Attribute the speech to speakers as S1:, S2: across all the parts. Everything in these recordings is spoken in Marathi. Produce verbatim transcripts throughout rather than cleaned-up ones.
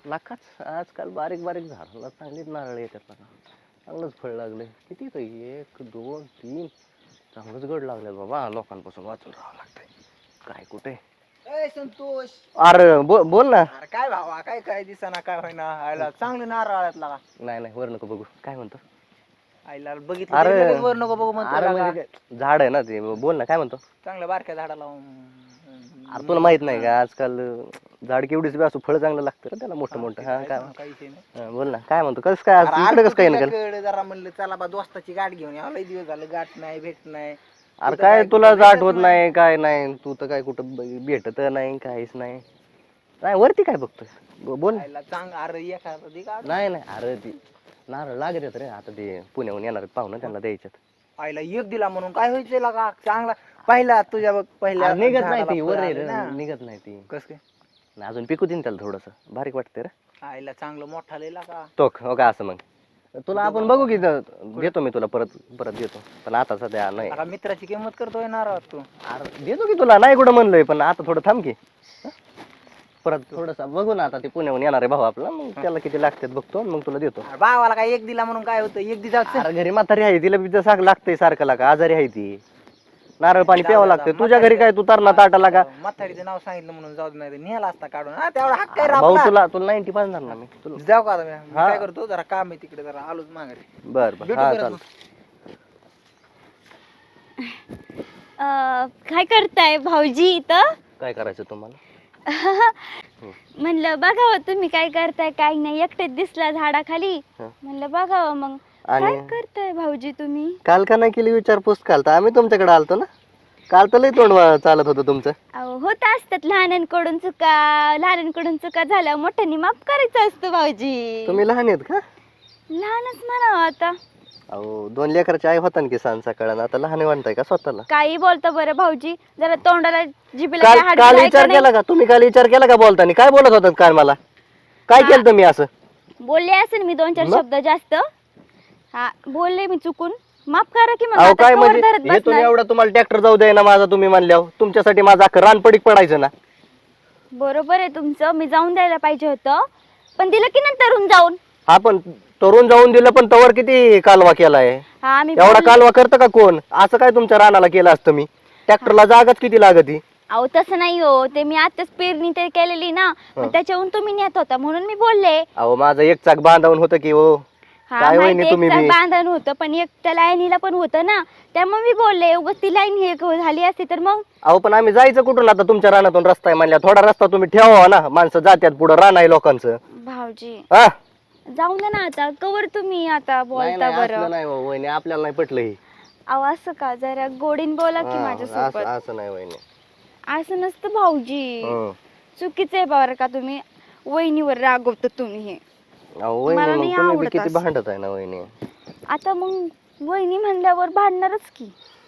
S1: लाखाच आजकाल बारीक बारीक झाडाला चांगलीच नारळ येतात बघा. चांगलंच फळ लागले. किती तर एक दोन तीन चांगलंच गड लागले बाबा. लोकांपासून वाचून राहावं लागतंय. काय कुठे
S2: ए संतोष,
S1: अरे बो, बोल ना.
S2: अरे काय भावा, काय काय दिसाना काय होईना. आयला चांगलं नारळ आळ्यात लागा.
S1: नाही नाही वर नको बघू. काय म्हणतो?
S2: आईला बघितलं
S1: अरे
S2: तरी लगेच वर नको बघू म्हणतो
S1: अरे
S2: लागा.
S1: म्हणजे काय, झाड आहे ना ते. बोल ना काय म्हणतो?
S2: चांगलं बारक्या झाडाला
S1: अरे तुला माहित नाही का आजकाल झाड केवढीच बी असो फळ चांगलं लागतं रे त्याला मोठं मोठं. हा काय
S2: काही विषय नाही.
S1: हा, बोल ना काय म्हणतो? कसं काय आज इकडे कसं काय निघाल?
S2: तुझ्याकडे जरा म्हणलं चला बा दोस्ताची गाठ घेऊन या. लय दिवस झालं गाठ नाही भेट नाही.
S1: अरे काय तुला जाट होत नाही काय नाही. तू तर काय कुठं ब- भेटत नाही काहीच नाही. नाही वरती काय बघतोय? ब- बोल ना.
S2: आईला चांग अरे एखादं दे गाठ.
S1: नाही नाही अरे ती नारळ लागत आहेत रे. आता ते पुण्याहून येणार पाहुणं त्यांना द्यायच्यात.
S2: आईला एक दिला म्हणून काय व्हायचं लागा. चांगला पहिला तुझ्या बघ पहिल्या
S1: अरे निघत नाही
S2: झाडाला
S1: ती
S2: फळ
S1: वर आहे
S2: आलं
S1: रे,
S2: ना.
S1: निघत नाही ती.
S2: कस काय
S1: नाही, अजून पिकू देईन त्याला थोडस बारीक वाटतंय रे.
S2: आईला चांगलं मोठा लय लागा.
S1: तो हो का असं मग तुला आपण बघू की द- देतो मी तुला परत परत देतो पण आता सध्या नाही.
S2: आता मित्राची किंमत करतोय नारळ तू.
S1: अरे देतो की तुला नाही कुठं म्हणलोय पण आता थोडं थांब की. हं? परत थोडस बघू ना. आता ते पुण्याहून येणार आहे भाऊ आपला. मग त्याला किती लागतात बघतो आणि मग तुला देतो.
S2: अरे भावाला काय एक दिला म्हणून काय होतं. एक दिवस
S1: अरे घरी म्हातारी आहे तिला बी सारखं लागतंय सारखं लागा. आजारी आहे ती. नारळ पाणी प्यावं लागतंय. तुझ्या घरी काय तू तरणा ताटा लागा.
S2: म्हातारीचं नाव सांगितलं म्हणून जाऊ दे, नाही नेला असता काढून. हा तेवढा हक्क आहे रे
S1: भाऊ
S2: आपला.
S1: तुला तुला नाईन्टी पाचणार ना मी तुला.
S2: जाऊ का आता मी? मी
S1: हा.
S2: काय करतो जरा काम आहे तिकडे जरा आलोच माघारी.
S1: बर बर
S2: भेटू
S1: हा
S2: परत
S1: चाल.
S2: मग.
S3: अं, काय करताय भाऊजी इथं?
S1: काय करायचं तुम्हाला?
S3: म्हणलं बघावं तुम्ही काय करताय काय नाही. एकटेच दिसला झाडाखाली.
S1: हं.
S3: म्हणलं बघावं मग
S1: आणि-
S3: काय करताय भाऊजी तुम्ही?
S1: काल का नाही केली विचारपूस? काल तर आम्ही तुमच्याकडे आलतो ना. काल तर लय तोंड वा- चालत होतं तुमचं.
S3: अहो होत असतात लहानांकडून चुका. लहानांकडून चुका झाल्या मोठ्यांनी माफ करायचं असतं भाऊजी.
S1: तुम्ही लहान आहेत का?
S3: लहानच म्हणावं आता.
S1: अहो दोन लेकराची आई होता ना की सांज सकाळ. आता लहान म्हणताय का स्वतःला?
S3: काही बोलता बरं भाऊजी. जरा तोंडाला जिभेला
S1: काल
S3: काय हाड
S1: काल
S3: बिड आहे
S1: विचार
S3: का नाही?
S1: केला का तुम्ही? काल विचार केला का बोलताना? काय बोलत होतात काल मला? काय केलं तुम्ही असं?
S3: बोलले असेल मी दोन चार
S1: मग?
S3: शब्द जास्त. हा बोलले मी चुकून. माफ करा की मग.
S1: अहो
S3: आता
S1: काय
S3: कवर
S1: म्हणजे
S3: धरत
S1: हे तुम्ही
S3: बसणार?
S1: एवढं तुम्हाला ट्रॅक्टर जाऊ द्याय ना माझा तुम्ही म्हणल्यावर तुमच्यासाठी माझं अख्खं रानपडीक पडायचं ना.
S3: बरोबर आहे तुमचं. मी जाऊन द्यायला पाहिजे होतं पण दिलं की नंतरून जाऊन.
S1: हा पण तरुण जाऊन दिलं पण तवर किती कालवा केलाय.
S3: हा मी
S1: एवढा
S3: बोलले.
S1: कालवा करतं का कोण? असं काय तुमच्या रानाला केलं असतं मी? ट्रॅक्टरला जागाच किती लागती.
S3: अहो तसं नाही हो. ते मी आताच पेरणी ते केलेली ना. मग
S1: हं.
S3: त्याच्याहून तुम्ही नेत होता म्हणून मी बोलले.
S1: अहो माझं एक चाक बांधावून होतं की हो.
S3: हा
S1: काय
S3: माहिती
S1: वहिनी तुम्ही
S3: एक
S1: बी?
S3: बांधण होतं पण एक त्या लाईनीला पण होतं ना. त्यामुळे मी बोलले उगाच ती लाईन हे झाली असती तर मग.
S1: अहो पण आम्ही जायचं कुठून आता? तुमच्या रानातून रस्ता आहे म्हणल्या थोडा रस्ता तुम्ही ठेवा ना. माणसं जात्यात पुढं रान आहे लोकांचं.
S3: भाऊजी
S1: हा
S3: जाऊन द्या ना आता. कवर तुम्ही आता
S1: नाही,
S3: बोलता
S1: नाही,
S3: बरं.
S1: असलं नाही हो, वहिनी आपल्याला नाही पटलं हे.
S3: अहो असं का? जरा गोडीन बोला की
S1: हा,
S3: माझ्यासोबत.
S1: असं असं नाही वहिनी.
S3: असं नसतं भाऊजी.
S1: हं.
S3: चुकीचं आहे बरं का. तुम्ही वहिनीवर रागवता तुम्ही हे.
S1: अहो
S3: मला
S1: वहिनी
S3: नाही
S1: मग तुम्ही बी
S3: आवडत
S1: किती
S3: असं.
S1: भांडत आहे ना वहिनी.
S3: आता मग वहिनी म्हणल्यावर भांडणारच की.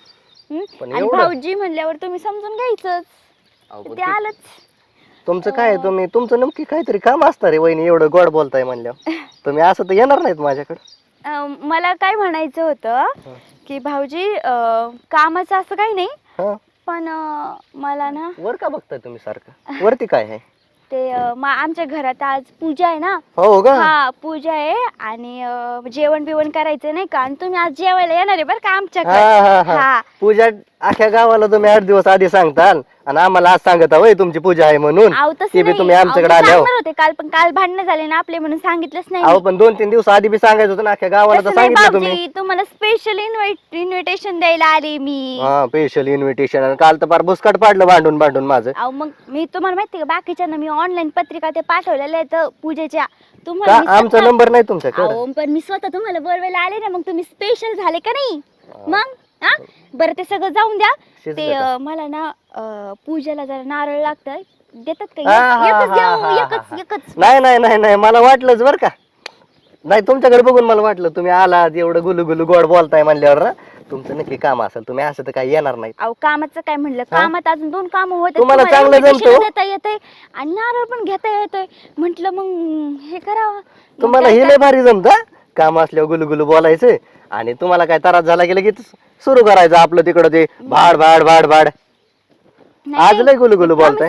S3: हं?
S1: पण
S3: आणि
S1: एवढं?
S3: भाऊजी म्हणल्यावर तुम्ही समजून घ्यायचंच.
S1: अहो, पण
S3: ते
S1: ते-
S3: आलंच.
S1: तुमचं काय तुम्ही तुमचं नक्की काहीतरी काम असतं रे वहिनी. एवढं गोड बोलताय म्हणल्यावर तुम्ही असं तर येणार नाहीत माझ्याकडे.
S3: अं, मला काय म्हणायचं होतं की भाऊजी अं, कामाचं असं काही नाही
S1: हा
S3: पण अं, मला ना
S1: वर का बघताय तुम्ही सारखं? वरती काय आहे?
S3: ते अं, मा- आमच्या घरात आज पूजा आहे ना.
S1: हो का?
S3: हा पूजा आहे आणि अं, जेवण बिवण करायचं नाही का. आणि तुम्ही आज जेवायला येणार आहे बरं का
S1: हा
S3: आमच्याकडे.
S1: हा हा
S3: हा
S1: पूजा अख्ख्या गावाला तुम्ही आठ दिवस आधी सांगताल आणि आम्हाला आज सांगता वय तुमची पूजा आहे म्हणून.
S3: अहो
S1: ते
S3: तसं
S1: बी
S3: नाही.
S1: तुम्ही
S3: अहो,
S1: आमच्याकडे
S3: मी
S1: आल्यावर.
S3: सांगणार होते काल पण काल भांडणं झाले ना आपले म्हणून सांगितलंच नाही
S1: अहो
S3: मी.
S1: पण दोन तीन दिवस आधी बी सांगायचं होतं ना. अख्ख्या गावाला तर
S3: तसं नाही
S1: सांगितलं तुम्ही.
S3: भाऊजी. तुम्हाला स्पेशल इन्व्हिटेशन द्यायला आले मी.
S1: हा स्पेशल इन्व्हिटेशन. काल तर फार बुसकाट पाडलं भांडून भांडून माझं.
S3: अहो मग मी तुम्हाला माहिती का बाकीच्यांना मी ऑनलाईन पत्रिका ते पाठवलेल्या आहेत पूजेच्या.
S1: का
S3: तुम्हाला मी
S1: आमचा
S3: स्वतः-
S1: नंबर नाही तुमच्याकडे?
S3: अहो पण मी स्वतः तुम्हाला बोलवायला आले ना. मग तुम्ही स्पेशल झाले का नाही मग? हा बरं ते सगळं जाऊन द्या.
S1: शिजलं
S3: ते
S1: का?
S3: अं, मला ना अं, पूजेला जरा नारळ लागतं. देतात का?
S1: हा, हा,
S3: एक- एकच
S1: हा,
S3: द्या
S1: हा,
S3: हो,
S1: हा,
S3: एकच
S1: हा.
S3: एकच.
S1: नाही नाही नाही नाही मला वाटलंच बरं का. नाही तुमच्याकडे बघून मला वाटलं तुम्ही आलात एवढं गुलू गुलू गोड बोलताय म्हणल्यावर ना तुमचं नक्की काम असेल. तुम्ही असं तर काही येणार नाही.
S3: अहो कामाचं काय म्हणलं.
S1: हा?
S3: कामात अजून दोन काम होते.
S1: तुम्हाला चांगलं जमतं.
S3: देता येतंय आणि नारळ पण घेता येतोय. म्हंटल मग हे करावं. मग
S1: तुम्हाला
S3: काय
S1: हे लय भारी जमतं. काम असल्यावर गुलू गुलू बोलायचं आणि तुम्हाला काय त्रास झाला की लगेच सुरू करायचं आपलं तिकडं ते भाड भाड भाड भाड.
S3: नाही,
S1: आज लय गुलू गुलू
S3: promise
S1: बोलताय.
S3: करते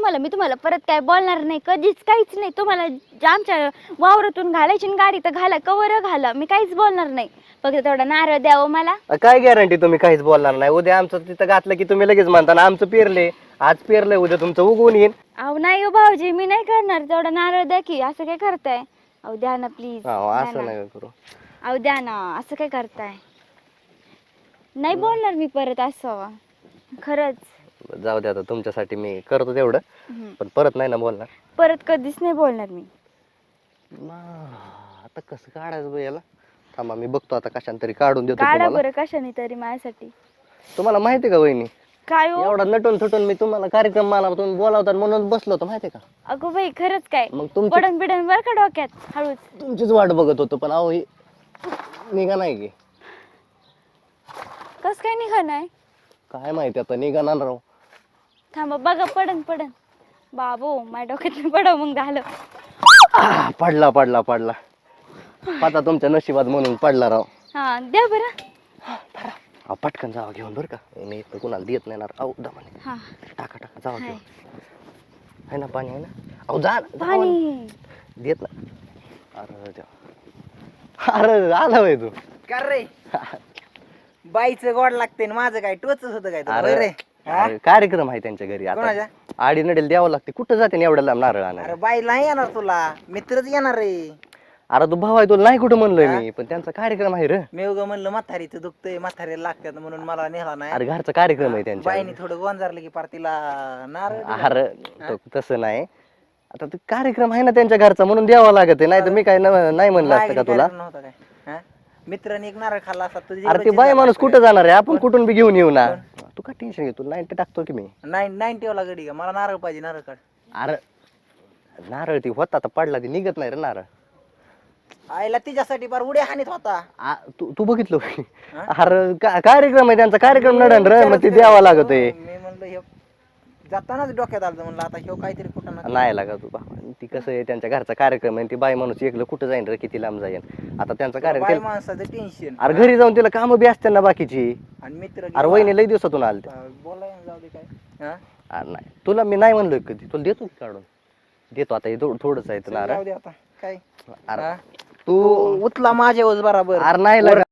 S3: तुम्हाला मी तुम्हाला परत काय बोलणार नाही कधीच काहीच नाही. तुम्हाला जे आमच्या वावरातून घालायची ना गाडी तर घाला कवर घाला मी काहीच बोलणार नाही. फक्त तेवढा नारळ द्यावं मला.
S1: अ, काय गॅरंटी तुम्ही काहीच बोलणार नाही? उद्या आमचं तिथं घातलं की तुम्ही लगेच म्हणता ना आमचं पेरले, आज पेरलंय उद्या तुमचं उगवून येईल.
S3: अहो नाही हो भाऊजी मी नाही करणार. तेवढा नारळ द्या की. असं काय करताय? अहो द्या ना प्लीज.
S1: हो, असं नाही करू.
S3: अहो द्या ना. असं काय करताय? नाही बोलणार मी परत असं खरंच.
S1: जाऊ दे आता तुमच्यासाठी मी करतो तेवढं,
S3: हम्म.
S1: पण परत नाही ना बोलणार.
S3: परत कधीच नाही बोलणार मी.
S1: मा, आता कसं काढायचं बरं याला? थांबा मी बघतो आता कशाने तरी काढून देतो
S3: काढा
S1: तुम्हाला.
S3: बरं कशाने तरी माझ्यासाठी.
S1: तुम्हाला माहिती का वहिनी,
S3: काय हो?
S1: एवढा नटून थटून मी तुम्हाला कार्यक्रम मला तुम्ही बोलावतात म्हणून बसलो होतो माहिती का?
S3: अगो बाई खरंच काय?
S1: मग तुमची
S3: पडन बिडन बर का डोक्यात हळूच.
S1: तुमचीच वाट बघत होतो पण अहो ही निघा नाही की
S3: कस काय निघा नाही?
S1: काय माहिती आता निघाणार राव.
S3: थांबा बघा पडन पडन. बाबू माझ्या डोक्यात पडव मग झालं.
S1: आह, पडला पडला पडला आता तुमच्या नशिबात म्हणून पडला राव.
S3: हा द्या बरं.
S1: अहो, पटकन जावा घेऊन बरं का, मी इथं कुणाला देत नाही ना. अहो दमाने
S3: हा
S1: टाका टाका जावा
S3: हाय.
S1: घेऊन. आहे ना पाणी आहे ना? अहो जा जावा ना.
S3: पाणी.
S1: देत ना. अरे देवा. अरे आला होय तू.
S2: कर रे बाईचं गोड लागते आणि माझं काय टोचच होतं काय तुला?
S1: अरे
S2: होय रे हा?
S1: अरे, कार्यक्रम आहे त्यांच्या घरी
S2: कोणाच्या?
S1: आता आडी नडेल द्यावं लागते. कुठं जाते ना एवढ्या लांब नारळ आणायला?
S2: अरे बाई नाही येणार तुला मित्रच येणार रे.
S1: अरे तू भाऊ आहे तुला नाही कुठं म्हणलोय मी, पण त्यांचा कार्यक्रम आहे रे.
S2: मी उगा म्हणलं म्हातारीचं दुखतंय म्हातारीला लागतात म्हणून मला नेला नाही.
S1: अरे घरचा कार्यक्रम आहे त्यांच्या.
S2: बाईने थोडं गोंजारलं की पार तिला नारळ दिला.
S1: अरे तो तसं नाही, आता ते कार्यक्रम आहे ना त्यांच्या घरचा म्हणून द्यावा लागत नाही तर मी काय न- नाही म्हणलं असतं का
S2: मागणी
S1: तुला?
S2: करायला नव्हतं काय हा? मित्राने एक नारळ खाल्ला असता तुझी
S1: अरे ते बाई माणूस कुठं जाणार आहे? आपण कुठून बी घेऊन येऊ ना. तू का टेन्शन घेतो? नाही ते टाकतो की मी.
S2: नाईन नाईन्टी वाला गडी का मला नारळ पाहिजे नारळ काढ.
S1: अरे नारळ ती होता तर पडला ती निघत नाही रे नारळ.
S2: आईला तिच्यासाठी पार उड्या हानीत होता.
S1: आ, तू तू बघितलं होय? अरे का- कार्यक्रम आहे त्यांचा, कार्यक्रम नडन रे मग ते द्यावा लागतोय.
S2: मी म्हणलं हे जातानाच डोक्यात आलं म्हणलं आता ह्यो काहीतरी कुठं ना
S1: नाही लागा तू बाबा, ती कसं आहे त्यांच्या घरचा कार्यक्रम आहे. ती बाई माणूस एकलं कुठं जाईन रे, किती लांब जाईन आता त्यांचा
S2: बाई
S1: कार्यक्रम.
S2: माणसाचं टेन्शन.
S1: अरे घरी जाऊन तिला कामं बी असते ना बाकीची.
S2: आणि मित्र
S1: अरे वहिनी लई दिवसातून आलते.
S2: बोलाय जाऊ दे काय हा?
S1: अरे नाही तुला मी नाही म्हणलोय कधी, तुला देतो की काढून देतो. आता हे थोडं थोडंच आहे
S2: चल
S1: ना.
S2: जाऊ दे आता काय
S1: अरे
S2: हा?
S1: तू
S2: उतला माझ्यावर बराबर.
S1: अरे नाही लागा